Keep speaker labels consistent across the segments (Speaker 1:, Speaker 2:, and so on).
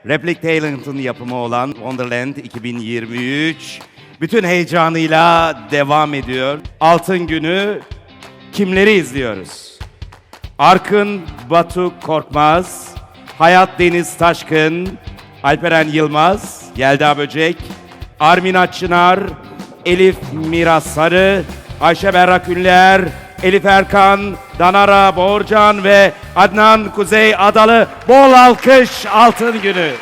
Speaker 1: Replik Talent'ın yapımı olan Wonderland 2023 bütün heyecanıyla devam ediyor. Altın Günü kimleri izliyoruz? Arkın Batu Korkmaz, Hayat Deniz Taşkın, Alperen Yılmaz, Yelda Böcek, Armina Çınar, Elif Mira Sarı, Ayşe Berrak Ünler, Elif Erkan, Danara Boğurcan ve Adnan Kuzey Adalı. Bol alkış Altın Günü.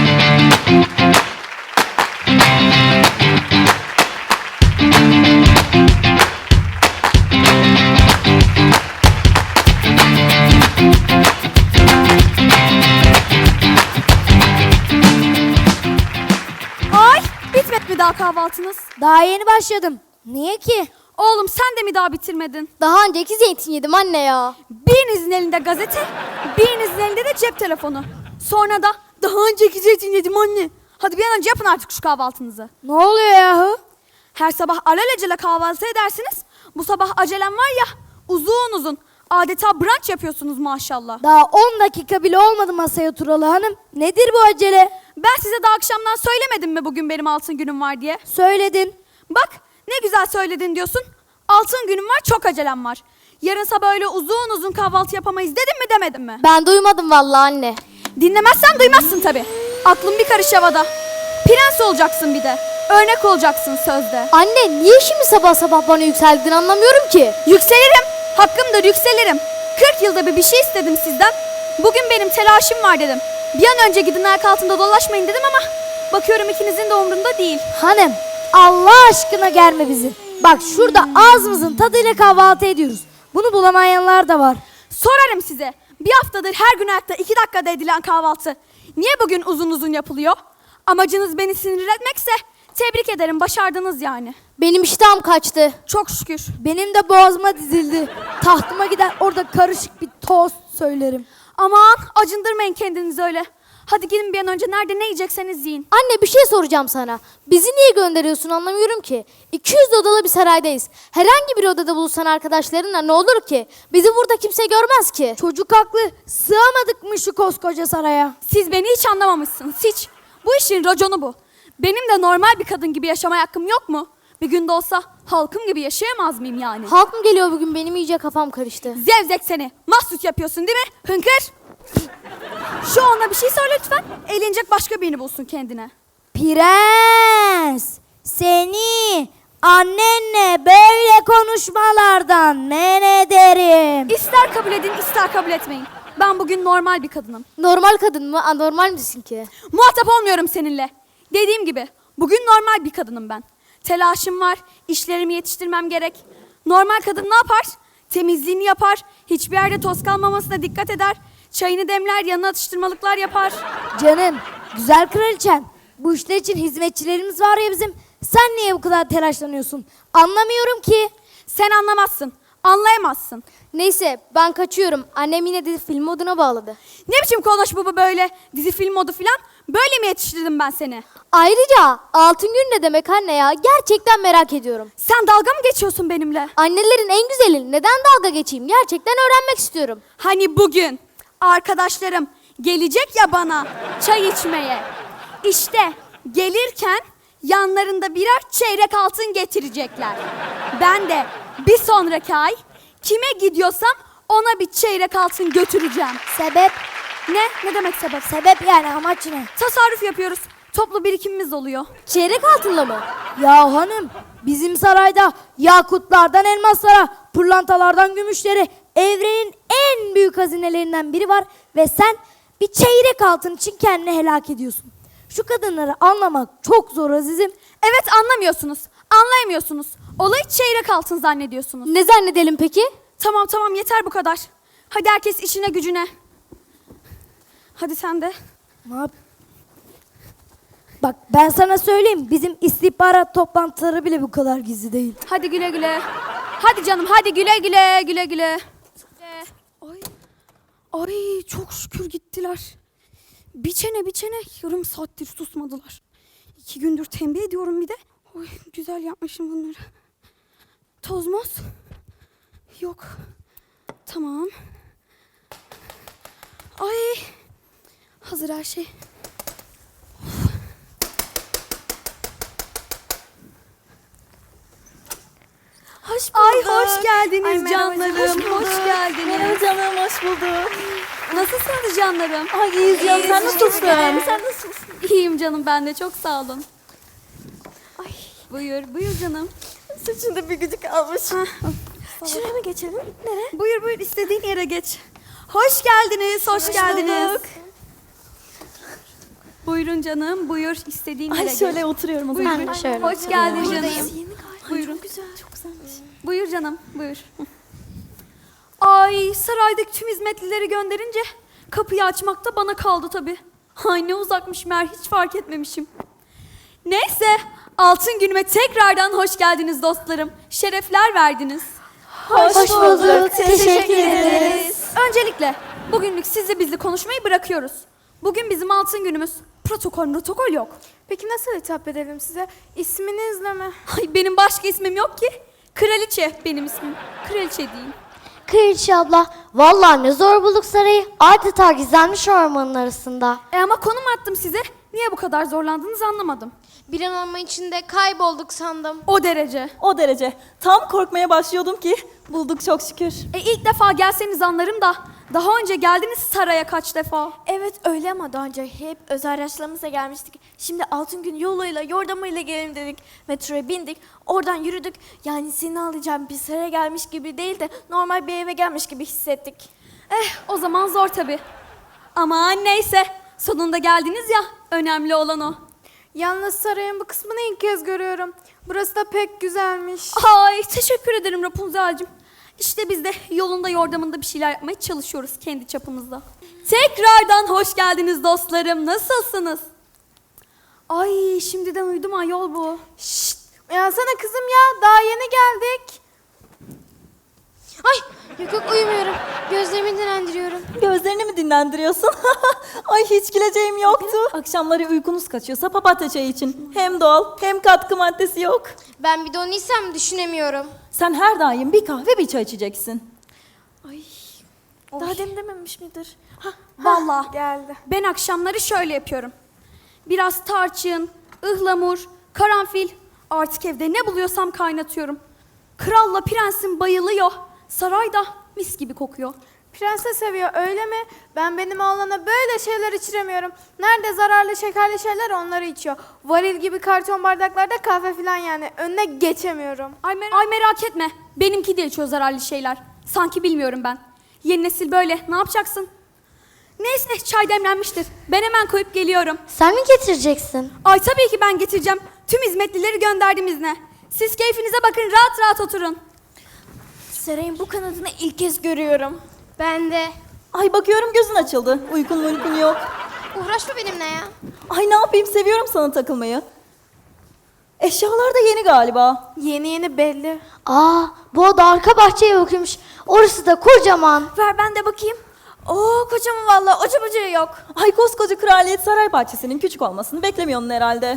Speaker 2: Ay, bitmedi mi daha kahvaltınız?
Speaker 3: Daha yeni başladım. Niye ki?
Speaker 2: Oğlum sen de mi daha bitirmedin?
Speaker 3: Daha önceki zeytin yedim anne ya.
Speaker 2: Birinizin elinde gazete, birinizin elinde de cep telefonu. Sonra da daha önceki zeytin yedim anne. Hadi bir an önce yapın artık şu kahvaltınızı.
Speaker 3: Ne oluyor yahu?
Speaker 2: Her sabah alelacele kahvaltı edersiniz. Bu sabah acelem var ya, uzun uzun. Adeta brunch yapıyorsunuz maşallah.
Speaker 3: Daha 10 dakika bile olmadı masaya oturalı hanım. Nedir bu acele?
Speaker 2: Ben size daha akşamdan söylemedim mi bugün benim altın günüm var diye?
Speaker 3: Söyledin.
Speaker 2: Bak ne güzel söyledin diyorsun. Altın günüm var, çok acelem var. Yarın sabah öyle uzun uzun kahvaltı yapamayız dedim mi demedim mi?
Speaker 3: Ben duymadım vallahi anne.
Speaker 2: Dinlemezsen duymazsın tabii. Aklın bir karış havada. Prens olacaksın bir de. Örnek olacaksın sözde.
Speaker 3: Anne niye şimdi sabah sabah bana yükseldin anlamıyorum ki.
Speaker 2: Yükselirim. Hakkımdır yükselirim. 40 yılda bir şey istedim sizden. Bugün benim telaşım var dedim. Bir an önce gidin ayak altında dolaşmayın dedim ama bakıyorum ikinizin de umrunda değil.
Speaker 3: Hanım Allah aşkına germe bizi. Bak şurada ağzımızın tadıyla kahvaltı ediyoruz. Bunu bulamayanlar da var.
Speaker 2: Sorarım size. Bir haftadır her gün ayakta 2 dakikada edilen kahvaltı niye bugün uzun uzun yapılıyor? Amacınız beni sinir etmekse tebrik ederim, başardınız yani.
Speaker 3: Benim iştahım kaçtı.
Speaker 2: Çok şükür.
Speaker 3: Benim de boğazıma dizildi. Tahtıma gider orada karışık bir tost söylerim.
Speaker 2: Aman acındırmayın kendinizi öyle. Hadi gidin bir an önce, nerede ne yiyecekseniz yiyin.
Speaker 3: Anne bir şey soracağım sana. Bizi niye gönderiyorsun anlamıyorum ki. 200 odalı bir saraydayız. Herhangi bir odada buluşsan arkadaşlarınla ne olur ki? Bizi burada kimse görmez ki. Çocuk haklı. Sığamadık mı şu koskoca saraya?
Speaker 2: Siz beni hiç anlamamışsınız, hiç. Bu işin raconu bu. Benim de normal bir kadın gibi yaşamaya hakkım yok mu? Bir gün de olsa halkım gibi yaşayamaz mıyım yani?
Speaker 3: Halk mı geliyor bugün? Benim iyice kafam karıştı.
Speaker 2: Zevzek seni. Mahsus yapıyorsun değil mi? Hınkır. Şu ona bir şey söyle lütfen. Eğlenecek başka birini bulsun kendine.
Speaker 3: Prens, seni annenle böyle konuşmalardan men ederim.
Speaker 2: İster kabul edin, ister kabul etmeyin. Ben bugün normal bir kadınım.
Speaker 3: Normal kadın mı? Anormal misin ki?
Speaker 2: Muhatap olmuyorum seninle. Dediğim gibi bugün normal bir kadınım ben. Telaşım var, işlerimi yetiştirmem gerek. Normal kadın ne yapar? Temizliğini yapar, hiçbir yerde toz kalmamasına dikkat eder. Çayını demler, yanına atıştırmalıklar yapar.
Speaker 3: Canım, güzel kraliçem. Bu işler için hizmetçilerimiz var ya bizim. Sen niye bu kadar telaşlanıyorsun? Anlamıyorum ki.
Speaker 2: Sen anlamazsın, anlayamazsın.
Speaker 3: Neyse ben kaçıyorum. Annem yine de film moduna bağladı.
Speaker 2: Ne biçim konuş bu böyle dizi film modu filan? Böyle mi yetiştirdim ben seni?
Speaker 3: Ayrıca altın gün ne demek anne ya? Gerçekten merak ediyorum.
Speaker 2: Sen dalga mı geçiyorsun benimle?
Speaker 3: Annelerin en güzeli. Neden dalga geçeyim? Gerçekten öğrenmek istiyorum.
Speaker 2: Hani bugün arkadaşlarım gelecek ya bana çay içmeye. İşte gelirken yanlarında birer çeyrek altın getirecekler. Ben de bir sonraki ay kime gidiyorsam ona bir çeyrek altın götüreceğim.
Speaker 3: Sebep?
Speaker 2: Ne demek sebep?
Speaker 3: Sebep yani amaç ne?
Speaker 2: Tasarruf yapıyoruz. Toplu birikimimiz oluyor.
Speaker 3: Çeyrek altınla mı? Ya hanım bizim sarayda yakutlardan elmaslara, pırlantalardan gümüşlere evrenin en büyük hazinelerinden biri var ve sen bir çeyrek altın için kendini helak ediyorsun. Şu kadınları anlamak çok zor azizim.
Speaker 2: Evet, anlamıyorsunuz. Anlayamıyorsunuz. Olayı çeyrek altın zannediyorsunuz.
Speaker 3: Ne zannedelim peki?
Speaker 2: Tamam yeter bu kadar. Hadi herkes işine gücüne. Hadi sen de.
Speaker 3: Ne yap? Bak ben sana söyleyeyim bizim istihbarat toplantıları bile bu kadar gizli değil.
Speaker 2: Hadi güle güle. Hadi canım, hadi güle güle, güle güle. Ay çok şükür gittiler. Bir çene yarım saattir susmadılar. 2 gündür tembih ediyorum bir de. Oy, güzel yapmışım bunları. Tozmoz. Yok. Tamam. Ay. Hazır her şey. Ay hoş geldiniz
Speaker 4: Ay, merhaba,
Speaker 2: canlarım.
Speaker 4: hoş bulduk.
Speaker 2: Hoş geldiniz.
Speaker 4: Merhaba canım, hoş bulduk.
Speaker 2: Nasılsınız canlarım?
Speaker 4: Ay iyiyiz canım, sen nasılsın?
Speaker 2: Sen nasılsın? İyiyim canım ben de çok sağ olun. Ay buyur canım.
Speaker 4: Saçında bir gücük almış. Şuraya mı geçelim? Nereye?
Speaker 2: Buyur istediğin yere geç. Hoş geldiniz, hoş geldiniz.
Speaker 4: bulduk.
Speaker 2: Buyurun canım, buyur istediğin yere
Speaker 4: Ay
Speaker 2: geç.
Speaker 4: şöyle oturuyorum o zaman.
Speaker 2: Buyur.
Speaker 3: Ben de şöyle
Speaker 2: Hoş geldin
Speaker 4: Buradayım.
Speaker 2: canım.
Speaker 4: Yeni galiba.
Speaker 2: Buyurun.
Speaker 4: Çok güzel, çok güzelmiş.
Speaker 2: Buyur canım, buyur. Ay saraydaki tüm hizmetlileri gönderince kapıyı açmak da bana kaldı tabii. Ay ne uzakmış meğer hiç fark etmemişim. Neyse altın günüme tekrardan hoş geldiniz dostlarım. Şerefler verdiniz.
Speaker 3: Hoş bulduk. Teşekkür ederiz.
Speaker 2: Öncelikle bugünlük sizle bizle konuşmayı bırakıyoruz. Bugün bizim altın günümüz. Protokol yok.
Speaker 4: Peki nasıl hitap edelim size? İsminizle mi?
Speaker 2: Ay benim başka ismim yok ki. Kraliçe benim ismim. Kraliçe değil.
Speaker 5: Kraliçe abla, vallahi ne zor bulduk sarayı. Adeta gizlenmiş ormanın arasında.
Speaker 2: Ama konum attım size. Niye bu kadar zorlandığınızı anlamadım.
Speaker 5: Bir an orman içinde kaybolduk sandım.
Speaker 2: O derece.
Speaker 4: O derece. Tam korkmaya başlıyordum ki bulduk çok şükür.
Speaker 2: İlk defa gelseniz anlarım da daha önce geldiniz saraya kaç defa.
Speaker 6: Evet öyle ama daha önce hep özel araçlarımızla gelmiştik. Şimdi altın gün yoluyla, yordamıyla gelelim dedik. Metroya bindik, oradan yürüdük. Yani seni alacağım bir saraya gelmiş gibi değil de normal bir eve gelmiş gibi hissettik.
Speaker 2: O zaman zor tabii. Aman neyse. Sonunda geldiniz ya. Önemli olan o.
Speaker 4: Yalnız sarayın bu kısmını ilk kez görüyorum. Burası da pek güzelmiş.
Speaker 2: Ay teşekkür ederim Rapunzel'cim. İşte biz de yolunda yordamında bir şeyler yapmaya çalışıyoruz kendi çapımızda. Tekrardan hoş geldiniz dostlarım. Nasılsınız? Ay şimdiden uyudum ayol bu.
Speaker 4: Şşt! Uyansana kızım ya, daha yeni geldik.
Speaker 5: Ay, yok uyumuyorum. Gözlerimi dinlendiriyorum.
Speaker 4: Gözlerini mi dinlendiriyorsun? Ay hiç güleceğim yoktu. Akşamları uykunuz kaçıyorsa papatya çayı için. Hem doğal hem katkı maddesi yok.
Speaker 5: Ben bir de onu isem düşünemiyorum.
Speaker 4: Sen her daim bir kahve bir çay içeceksin.
Speaker 6: Daha demin dememiş midir?
Speaker 2: Vallahi
Speaker 4: Geldi.
Speaker 2: ben akşamları şöyle yapıyorum. Biraz tarçın, ıhlamur, karanfil. Artık evde ne buluyorsam kaynatıyorum. Kralla prensim bayılıyor. Sarayda mis gibi kokuyor.
Speaker 4: Prenses seviyor öyle mi? Benim oğlana böyle şeyler içiremiyorum. Nerede zararlı şekerli şeyler onları içiyor. Varil gibi karton bardaklarda kahve falan yani. Önüne geçemiyorum.
Speaker 2: Ay merak etme. Benimki de içiyor zararlı şeyler. Sanki bilmiyorum ben. Yeni nesil böyle. Ne yapacaksın? Neyse çay demlenmiştir. Ben hemen koyup geliyorum.
Speaker 5: Sen mi getireceksin?
Speaker 2: Ay tabii ki ben getireceğim. Tüm hizmetlileri gönderdim izne. Siz keyfinize bakın rahat rahat oturun.
Speaker 6: Sarayın bu kanadını ilk kez görüyorum.
Speaker 5: Ben de.
Speaker 4: Ay bakıyorum gözün açıldı. Uykun yok.
Speaker 5: Uğraşma benimle ya.
Speaker 4: Ay ne yapayım, seviyorum sana takılmayı. Eşyalar da yeni galiba. Yeni belli.
Speaker 5: Aa, bu oda arka bahçeye bakıyormuş. Orası da kocaman.
Speaker 6: Ver ben de bakayım. Oo kocaman vallahi oca bucağı yok.
Speaker 4: Ay koskoca kraliyet saray bahçesinin küçük olmasını beklemiyorsun herhalde.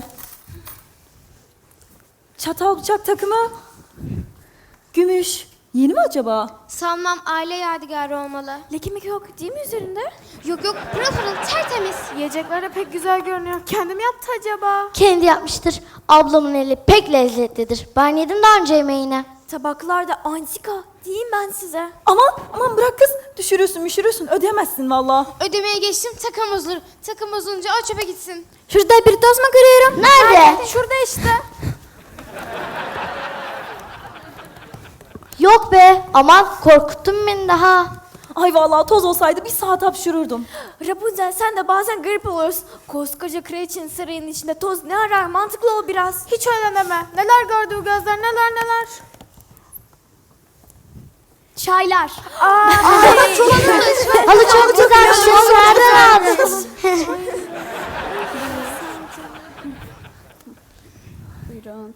Speaker 4: Çatal bıçak takımı. Gümüş. Yeni mi acaba?
Speaker 5: Sanmam aile yadigarı olmalı.
Speaker 6: Leke meke yok değil mi üzerinde?
Speaker 5: Yok pırıl pırıl tertemiz.
Speaker 4: Yiyecekler de pek güzel görünüyor. Kendim yaptı acaba?
Speaker 5: Kendi yapmıştır. Ablamın eli pek lezzetlidir. Ben yedim daha önce yemeğini.
Speaker 6: Tabaklar da antika. Diyeyim ben size.
Speaker 4: Aman bırak kız. Düşürürsün ödeyemezsin valla.
Speaker 5: Ödemeye geçtim takım bozulur. Takım bozulunca o çöpe gitsin.
Speaker 6: Şurada bir toz mu görüyorum?
Speaker 5: Nerede?
Speaker 4: Şurada işte.
Speaker 5: Yok be, aman korkuttun beni daha.
Speaker 4: Ay vallahi toz olsaydı bir saat hapşururdum.
Speaker 6: Rapunzel sen de bazen garip oluyorsun. Koskoca kraliçenin sarayının içinde toz ne arar? Mantıklı ol biraz.
Speaker 4: Hiç öyle deme. Neler gördü bu gözler, neler.
Speaker 2: Çaylar.
Speaker 5: Halı çok güzelmiş. Nereden aldın?
Speaker 2: Buyurun.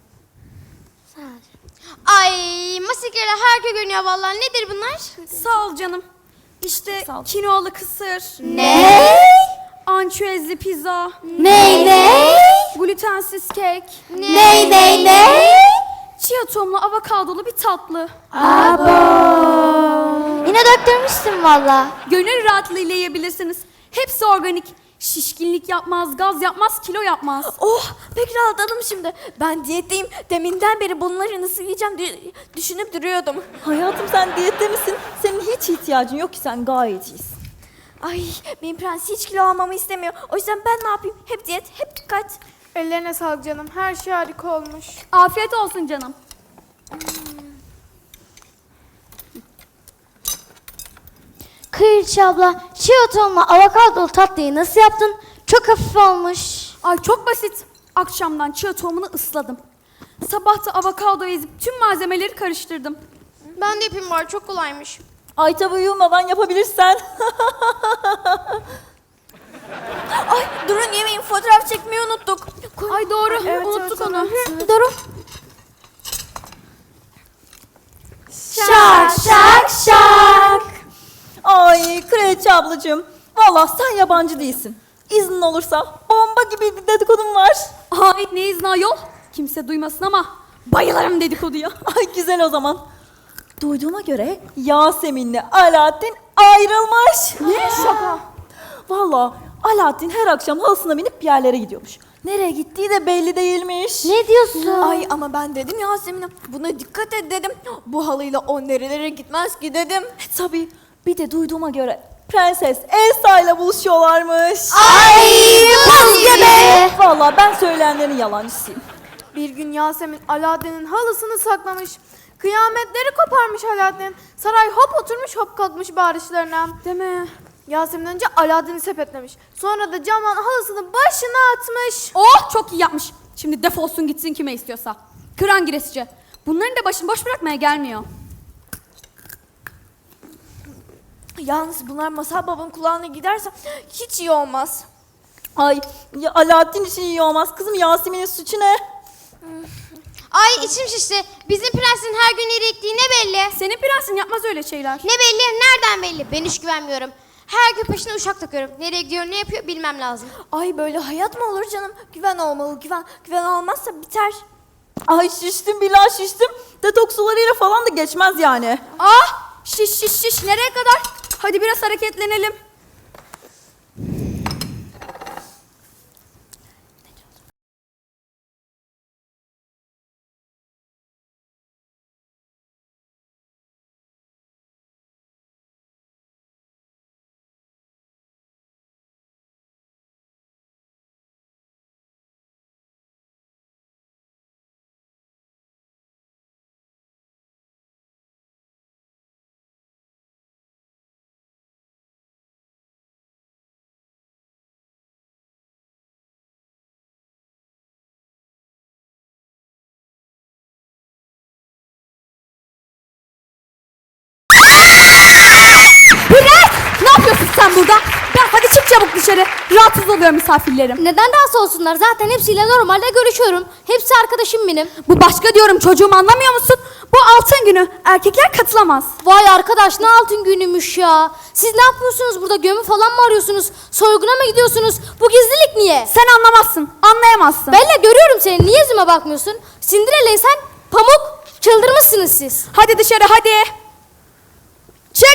Speaker 5: Ay, masikleri harika görünüyor vallahi. Nedir bunlar?
Speaker 2: Sağ ol canım. İşte
Speaker 4: Sağ ol.
Speaker 2: kinoalı kısır,
Speaker 5: Ne?
Speaker 2: ançüezli pizza,
Speaker 5: Ne?
Speaker 2: glutensiz kek,
Speaker 5: Ne?
Speaker 2: chia tohumlu avokadolu bir tatlı.
Speaker 5: Yine döktürmüşsün valla.
Speaker 2: Gönül rahatlığıyla yiyebilirsiniz. Hepsi organik. Şişkinlik yapmaz, gaz yapmaz, kilo yapmaz.
Speaker 6: Oh pek rahatladım şimdi. Ben diyetteyim. Deminden beri bunları nasıl yiyeceğim diye düşünüp duruyordum.
Speaker 7: Hayatım sen diyette misin? Senin hiç ihtiyacın yok ki, sen gayet iyisin.
Speaker 6: Ay benim prens hiç kilo almamı istemiyor. O yüzden ben ne yapayım? Hep diyet, hep dikkat.
Speaker 4: Ellerine sağlık canım. Her şey harika olmuş.
Speaker 2: Afiyet olsun canım.
Speaker 5: Kraliçe abla, chia tohumlu avokadolu tatlıyı nasıl yaptın? Çok hafif olmuş.
Speaker 2: Ay çok basit. Akşamdan chia tohumunu ısladım. Sabah da avokado ezip tüm malzemeleri karıştırdım.
Speaker 4: Ben de yapayım bari. Çok kolaymış.
Speaker 7: Ay tabii uyumadan yapabilirsen.
Speaker 6: Ay durun yemeyin, fotoğraf çekmeyi unuttuk.
Speaker 2: Ay doğru,
Speaker 4: Evet,
Speaker 2: unuttuk
Speaker 4: evet,
Speaker 2: onu.
Speaker 5: Doğru. Şak şak şak.
Speaker 7: Ay Kraliçe ablacığım, vallahi sen yabancı değilsin. İznin olursa bomba gibi bir dedikodum var.
Speaker 2: Ay ne izni ayol? Kimse duymasın ama bayılırım dedikoduya.
Speaker 7: Ay güzel o zaman. Duyduğuma göre Yasemin'le Alaaddin ayrılmış.
Speaker 2: Ne şaka?
Speaker 7: Vallahi Alaaddin her akşam halısına binip bir yerlere gidiyormuş. Nereye gittiği de belli değilmiş.
Speaker 5: Ne diyorsun?
Speaker 6: Ay ama ben dedim Yasemin'e buna dikkat et dedim. Bu halıyla o nerelere gitmez ki dedim.
Speaker 7: Tabii bir de duyduğuma göre Prenses Elsa ile buluşuyorlarmış.
Speaker 5: Ay buz gibi.
Speaker 7: Vallahi ben söyleyenlerin yalancısıyım.
Speaker 4: Bir gün Yasemin Alaaddin'in halısını saklamış. Kıyametleri koparmış Alaaddin. Saray hop oturmuş hop kalkmış bağırışlarına.
Speaker 2: Değil mi?
Speaker 4: Yasemin önce Alaaddin'i sepetlemiş. Sonra da camdan halısını başına atmış.
Speaker 2: Oh çok iyi yapmış. Şimdi defolsun gitsin kime istiyorsa. Kıran giresici. Bunların da başını boş bırakmaya gelmiyor.
Speaker 6: Yalnız bunlar Masal Baba'nın kulağına giderse hiç iyi olmaz.
Speaker 7: Ay ya Alaaddin için iyi olmaz kızım, Yasemin'in suçu ne?
Speaker 8: Ay içim şişti. Bizim prensin her gün nereye gittiği ne belli?
Speaker 2: Senin prensin yapmaz öyle şeyler.
Speaker 8: Ne belli? Nereden belli? Ben hiç güvenmiyorum. Her gün peşine uşak takıyorum. Nereye gidiyor, ne yapıyor bilmem lazım.
Speaker 6: Ay böyle hayat mı olur canım? Güven olmalı, güven. Güven olmazsa biter.
Speaker 7: Ay şiştim billah şiştim. Detoks sularıyla falan da geçmez yani.
Speaker 2: Ah şiş şiş şiş nereye kadar? Hadi biraz hareketlenelim. Bülent! Ne yapıyorsun sen burada? Ben hadi çık çabuk dışarı. Rahatsız oluyor misafirlerim.
Speaker 5: Neden rahatsız olsunlar? Zaten hepsiyle normalde görüşüyorum. Hepsi arkadaşım benim.
Speaker 2: Bu başka diyorum çocuğum anlamıyor musun? Bu altın günü. Erkekler katılamaz.
Speaker 5: Vay arkadaş ne altın günümüş ya. Siz ne yapıyorsunuz burada? Gömü falan mı arıyorsunuz? Soyguna mı gidiyorsunuz? Bu gizlilik niye?
Speaker 2: Sen anlamazsın. Anlayamazsın.
Speaker 5: Bella görüyorum seni. Niye yüzüme bakmıyorsun? Cinderella sen Pamuk. Çıldırmışsınız siz.
Speaker 2: Hadi dışarı hadi. Çık.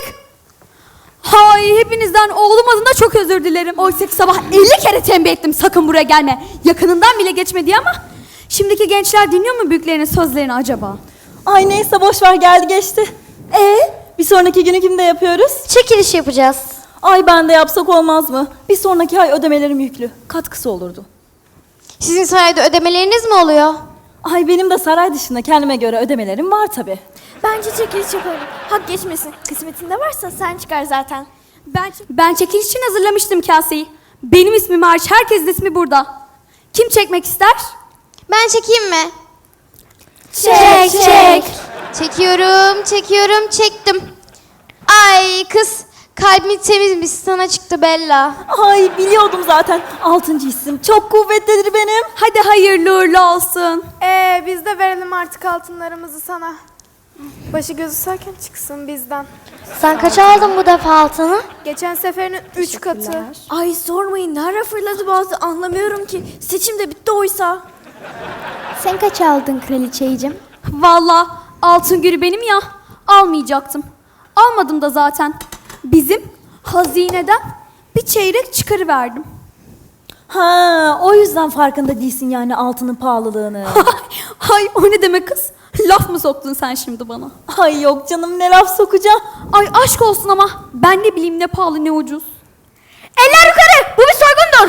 Speaker 2: Hay hepinizden oğlum adına çok özür dilerim. Oysa ki sabah 50 kere tembih ettim sakın buraya gelme. Yakınından bile geçme diye ama şimdiki gençler dinliyor mu büyüklerinin sözlerini acaba?
Speaker 7: Ay neyse boş ver, geldi geçti. Bir sonraki günü kimde yapıyoruz?
Speaker 5: Çekiliş yapacağız.
Speaker 7: Ay ben de yapsak olmaz mı? Bir sonraki ay ödemelerim yüklü. Katkısı olurdu.
Speaker 8: Sizin sarayda ödemeleriniz mi oluyor?
Speaker 7: Ay benim de saray dışında kendime göre ödemelerim var tabii.
Speaker 6: Bence çekiliş yapalım. Hak geçmesin. Kısmetinde varsa sen çıkar zaten.
Speaker 2: Ben çekiliş için hazırlamıştım kaseyi. Benim ismim hariç herkesin ismi burada. Kim çekmek ister?
Speaker 8: Ben çekeyim mi?
Speaker 5: Çek çek.
Speaker 8: Çekiyorum, çektim. Ay kız, kalbin temizmiş, sana çıktı Bella.
Speaker 7: Ay biliyordum zaten. 6. isim çok kuvvetlidir benim.
Speaker 2: Hadi hayırlı uğurlu olsun.
Speaker 4: Biz de verelim artık altınlarımızı sana. Başı gözü sakin çıksın bizden.
Speaker 5: Sen kaç aldın bu defa altını?
Speaker 4: Geçen seferinin 3 katı.
Speaker 6: Ay sormayın nerede fırladı bazı anlamıyorum ki. Seçim de bitti oysa.
Speaker 5: Sen kaç aldın kraliçeyicim?
Speaker 2: Vallahi altın günü benim ya. Almayacaktım. Almadım da zaten. Bizim hazineden bir çeyrek çıkarıverdim.
Speaker 7: Ha, o yüzden farkında değilsin yani altının pahalılığını.
Speaker 2: Ay o ne demek kız? Laf mı soktun sen şimdi bana?
Speaker 7: Ay yok canım, ne laf sokacağım.
Speaker 2: Ay aşk olsun ama ben ne bileyim ne pahalı ne ucuz. Eller yukarı! Bu bir soygundur!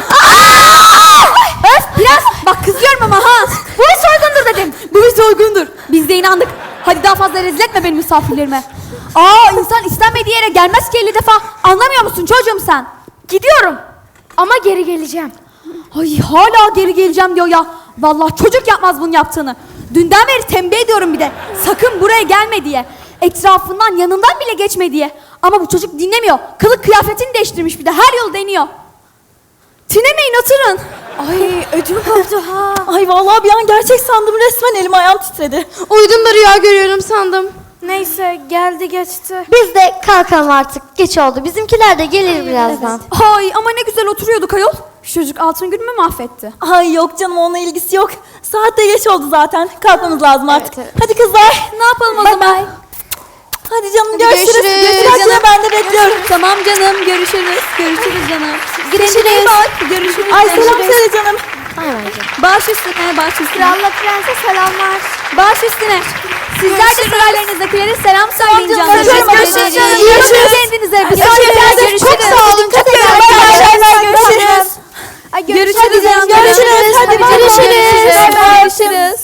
Speaker 2: Öf biraz bak kızıyorum ama ha! Bu bir soygundur dedim. Bu bir soygundur. Biz de inandık. Hadi daha fazla rezil etme benim misafirlerime. İnsan istenmediği yere gelmez ki 50 defa. Anlamıyor musun çocuğum sen? Gidiyorum. Ama geri geleceğim. Ay hala geri geleceğim diyor ya. Vallahi çocuk yapmaz bunu yaptığını. Dünden beri tembih ediyorum bir de. Sakın buraya gelme diye. Etrafından yanından bile geçme diye. Ama bu çocuk dinlemiyor. Kılık kıyafetini değiştirmiş bir de. Her yol deniyor. Tinemeyin oturun.
Speaker 7: Ay ödüm koptu ha. Ay vallahi bir an gerçek sandım, resmen elim ayağım titredi.
Speaker 5: Uyudum da rüya görüyorum sandım.
Speaker 4: Neyse geldi geçti.
Speaker 8: Biz de kalkalım artık. Geç oldu. Bizimkiler de gelir birazdan.
Speaker 2: Ay ama ne güzel oturuyorduk ayol. Şu çocuk altın günümü mahvetti.
Speaker 7: Ay yok canım, onunla ilgisi yok. Saat de geç oldu zaten. Kalkmamız lazım artık.
Speaker 8: evet.
Speaker 7: Hadi kızlar.
Speaker 2: Ne yapalım o zaman?
Speaker 7: Hadi canım, görüşürüz.
Speaker 2: görüşürüz.
Speaker 7: Görüşürüz.
Speaker 2: Canım.
Speaker 7: Ben de bekliyorum.
Speaker 2: Tamam canım görüşürüz. Görüşürüz canım.
Speaker 8: Görüşürüz.
Speaker 2: Görüşürüz.
Speaker 7: Ay selam söyle canım.
Speaker 2: Baş üstüne, baş üstüne.
Speaker 4: Kralla prense selamlar.
Speaker 2: Baş üstüne. Sizler de sıralarınızdakilere selam söyleyin canım.
Speaker 7: Görüşürüz.
Speaker 2: Görüşürüz. Kendinize. Bir sonraki
Speaker 7: Görüşürüz. Çok sağ olun. Çok
Speaker 2: Görüşürüz.
Speaker 4: Ay,
Speaker 2: Görüşürüz canım.
Speaker 7: Görüşürüz. Hadi bay bay.
Speaker 2: Görüşürüz.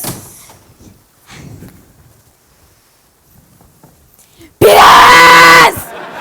Speaker 2: Prens!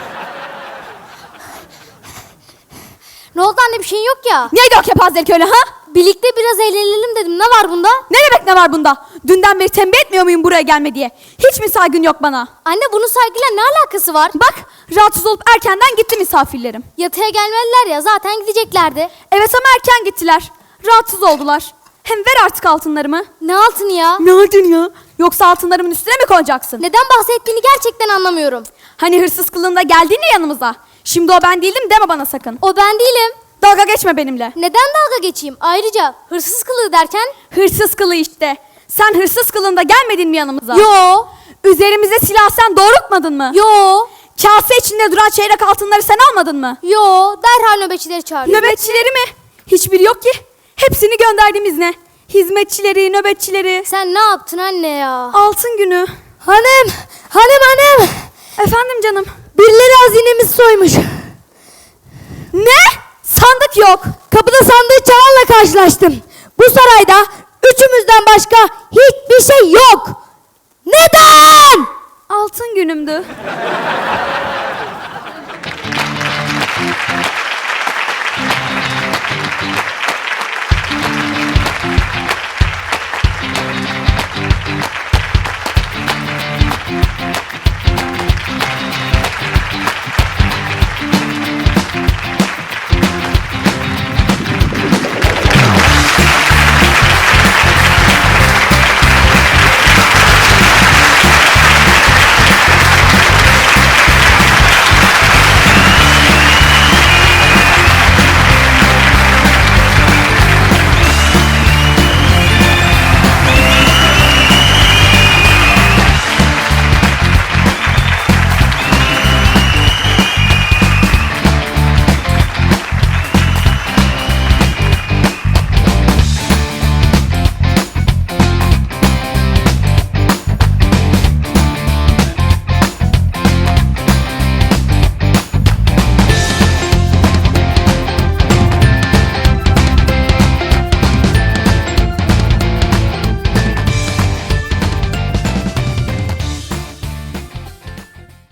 Speaker 5: Ne oldu anne, bir şeyin yok ya.
Speaker 2: Neydi o kepazelik öyle ha?
Speaker 5: Birlikte biraz eğlenelim dedim. Ne var bunda?
Speaker 2: Ne demek ne var bunda? Dünden beri tembih etmiyor muyum buraya gelme diye? Hiç mi saygın yok bana?
Speaker 5: Anne bunun saygıyla ne alakası var?
Speaker 2: Bak rahatsız olup erkenden gitti misafirlerim.
Speaker 5: Yatıya gelmediler ya, zaten gideceklerdi.
Speaker 2: Evet ama erken gittiler. Rahatsız oldular. Hem ver artık altınlarımı.
Speaker 5: Ne altını ya?
Speaker 2: Ne aldın ya? Yoksa altınlarımın üstüne mi koyacaksın?
Speaker 5: Neden bahsettiğini gerçekten anlamıyorum.
Speaker 2: Hani hırsız kılığında geldin ya yanımıza. Şimdi o ben değildim deme bana sakın.
Speaker 5: O ben değilim.
Speaker 2: Dalga geçme benimle.
Speaker 5: Neden dalga geçeyim? Ayrıca hırsız kılığı derken?
Speaker 2: Hırsız kılığı işte. Sen hırsız kılığında gelmedin mi yanımıza?
Speaker 5: Yo.
Speaker 2: Üzerimize silah sen doğrultmadın mı?
Speaker 5: Yo.
Speaker 2: Kase içinde duran çeyrek altınları sen almadın mı?
Speaker 5: Yo. Derhal nöbetçileri çağırıyor.
Speaker 2: Nöbetçileri mi? Hiçbiri yok ki. Hepsini gönderdiğimiz ne? Hizmetçileri, nöbetçileri.
Speaker 5: Sen ne yaptın anne ya?
Speaker 2: Altın günü.
Speaker 3: Hanım.
Speaker 2: Efendim canım.
Speaker 3: Birileri hazinemizi soymuş.
Speaker 2: Ne? Sandık yok.
Speaker 3: Kapıda sandığı çalanla karşılaştım. Bu sarayda üçümüzden başka hiçbir şey yok. Neden?
Speaker 2: Altın günümdü.